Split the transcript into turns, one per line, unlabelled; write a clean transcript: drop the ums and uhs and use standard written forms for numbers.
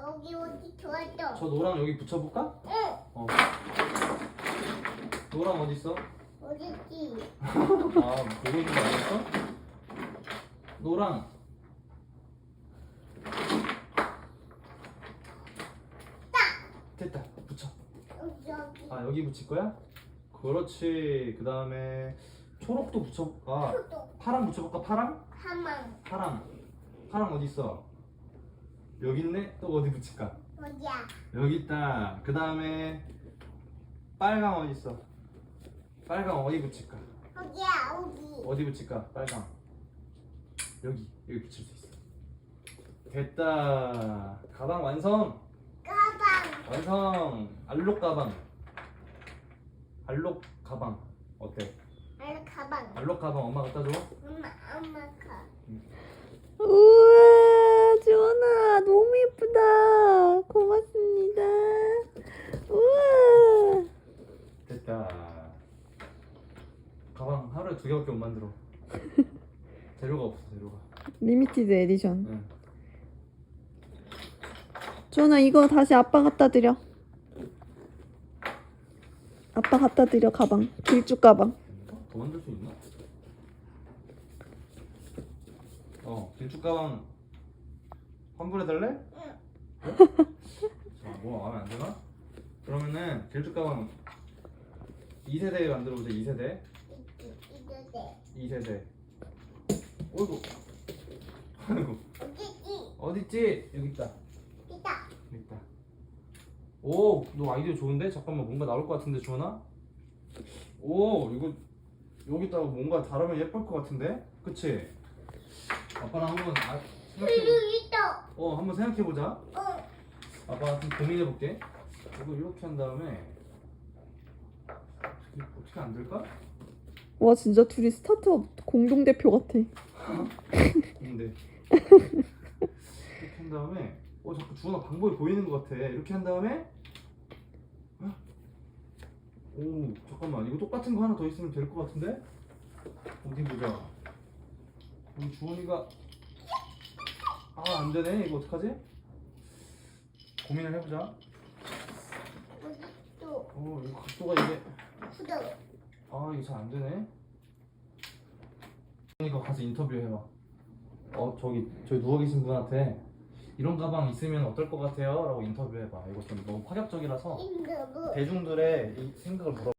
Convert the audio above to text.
여기 어디 좋았어?
저 노랑 여기 붙여볼까?
응.
어. 노랑 어디 있어?
어딨지?
아, 보고 있는 거 아니었어? 노랑. 됐다. 붙여.
여기.
아, 여기 붙일 거야? 그렇지. 그 다음에 초록도 붙여볼까?
초록.
파랑 붙여볼까? 파랑?
가만.
파랑 어디 있어? 여기 있네? 또 어디 붙일까?
어디야?
여기 있다. 그 다음에 빨강 어디 있어? 빨강 어디 붙일까?
여기야 여기.
어디 붙일까? 빨강. 여기 붙일 수 있어. 됐다. 가방 완성.
가방.
완성. 알록 가방. 알록 가방 어때?
나는 가방.
알록 가방 엄마 갖다 줘.
엄마 가.
우와, 주원아, 너무 예쁘다. 고맙습니다. 우와.
됐다. 가방 하루에 2개밖에 못 만들어. 재료가 없어. 재료가.
리미티드 에디션.
응.
주원아, 이거 다시 아빠 갖다 드려. 아빠 갖다 드려, 가방. 길쭉 가방.
더 만들 수 있나? 길쭉 가방 환불해달래?
응.
자, 뭐 마음에 안 드나? 그러면은 길쭉 가방 2세대 만들어보자. 2세대.
이거
2세대. 어이구. 아이고.
어딨지?
어딨지? 여기 있다.
있다.
여기 있다. 오, 너 아이디어 좋은데? 잠깐만, 뭔가 나올 것 같은데, 주원아? 오, 이거 여기다가 뭔가 다르면 예쁠 것 같은데? 그치? 아빠랑 한번 생각해.
여기 있다.
한번 생각해 보자.
어.
아빠가 좀 고민해 볼게. 이거 이렇게 한 다음에 어떻게 안 될까?
와, 진짜 둘이 스타트업 공동대표 같아.
근데 이렇게 한 다음에 자꾸 주원아 방법이 보이는 것 같아. 이렇게 한 다음에 오, 잠깐만, 이거 똑같은 거 하나 더 있으면 될 것 같은데? 어디 보자. 우리 주원이가 안 되네. 이거 어떡하지? 고민을 해보자.
어디 또?
이거 각도가 이게
구독.
이거 잘 안 되네. 주원이가 가서 인터뷰 해봐. 저기 누워 계신 분한테 이런 가방 있으면 어떨 것 같아요? 라고 인터뷰해봐. 이거 좀 너무 파격적이라서
인도부.
대중들의 이 생각을 물어.